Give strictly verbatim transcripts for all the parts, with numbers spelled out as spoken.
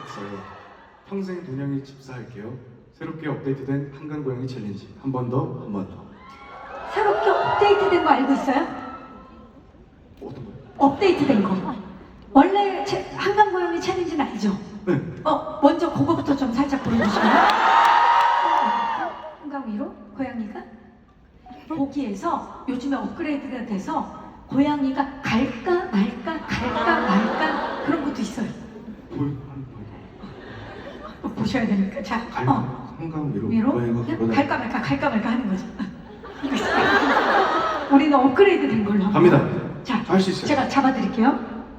없어요. 평생 돈양이 집사할게요. 새롭게 업데이트된 한강 고양이 챌린지. 한 번 더, 한 번 더. 새롭게 업데이트된 거 알고 있어요? 어떤 거요? 업데이트된 거. 원래 체, 한강 고양이 챌린지는 알죠? 네. 어, 먼저 그거부터 좀 살짝 보여주시면. 한강 위로 고양이가 거기에서 요즘에 업그레이드가 돼서 고양이가 갈까 말까 갈까 말까 그런 것도 있어요. 보이, 어, 보셔야 되니까. 자, 갈, 어, 한강 위로, 위로 고양이가 그냥 걸어다니- 갈까 말까 갈까 말까 하는 거죠. 이거 있어요. 우리는 업그레이드 된 걸로 한번. 갑니다. 자, 할 수 있어요. 제가 잡아드릴게요.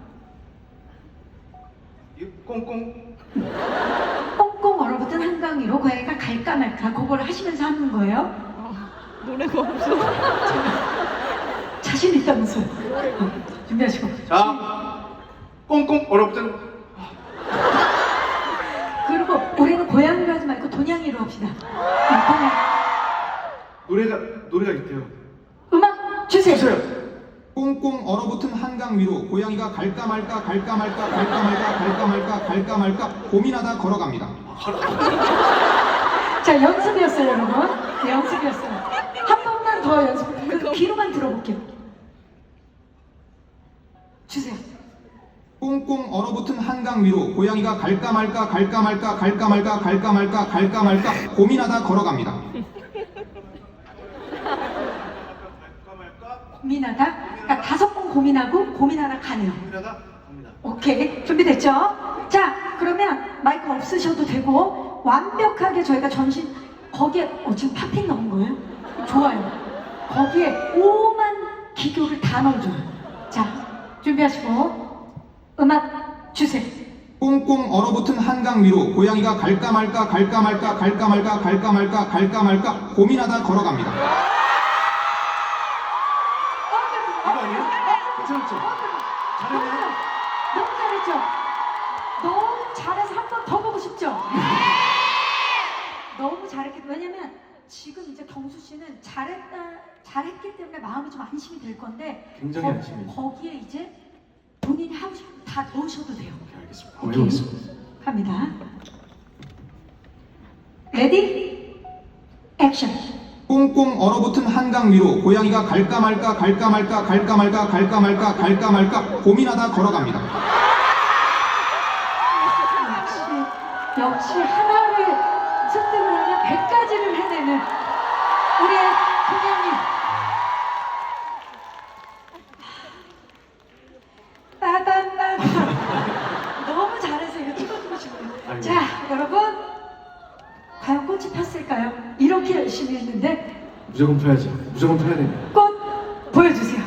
이 꽁꽁. 꽁꽁 얼어붙은 한강 위로 고양이가 갈까 말까 그거를 하시면서 하는 거예요. 노래가 없어. 자신 있다면서요. 어, 준비하시고. 자, 꽁꽁 얼어붙은. 그리고 우리는 고양이로 하지 말고 돈양이로 합시다. 네, 돈양. 노래가, 노래가 있대요. 음악 주세요. 주세요. 꽁꽁 얼어붙은 한강 위로 고양이가 갈까 말까 갈까 말까 갈까 말까 갈까 말까 갈까 말까 고민하다 걸어갑니다. 자, 연습이었어요, 여러분. 네, 연습이었어요. 한 번만 더 연습. 그 귀로만 들어볼게요. 주세요. 꽁꽁 얼어붙은 한강 위로 고양이가 갈까 말까 갈까 말까 갈까 말까 갈까 말까 갈까 말까 고민하다 걸어갑니다. 고민하다. 그러니까 다섯 번 고민하고 고민하다 가네요. 고민하다 갑니다. 오케이. 준비됐죠? 자, 그러면 마이크 없으셔도 되고 완벽하게 저희가 전신 거기에 어, 지금 팝핑 넣은 거예요? 좋아요. 거기에 오만 기교를 다 넣어줘요. 자, 준비하시고 음악 주세요. 꽁꽁 얼어붙은 한강 위로 고양이가 갈까 말까 갈까 말까 갈까 말까 갈까 말까 갈까 말까 고민하다 걸어갑니다. 이거 아니에요? 괜찮죠? 잘했네요. 너무 잘했죠? 너무 잘해서 한 번 더 보고 싶죠? 너무 잘했기 왜냐면 지금 이제 경수 씨는 잘했다 잘했기 때문에 마음이 좀 안심이 될 건데 굉장히 거, 안심이. 거기에 이제 본인이 하고 싶은 거 다 넣으셔도 돼요. 오케이, 알겠습니다. 오케이. 해보겠습니다. 갑니다. 레디 액션. 꽁꽁 얼어붙은 한강 위로 고양이가 갈까 말까 갈까 말까 갈까 말까 갈까 말까 갈까 말까 고민하다 걸어갑니다. 역시 역시 하나를 습득을 하면 백 가지를 해내는 우리의 고양이. 따단따단. 너무 잘해서 이거 찍어주고 싶네요. 아이고. 자, 여러분 과연 꽃이 폈을까요? 이렇게 열심히 했는데 무조건 펴야죠. 무조건 펴야 됩니다. 꽃 보여주세요.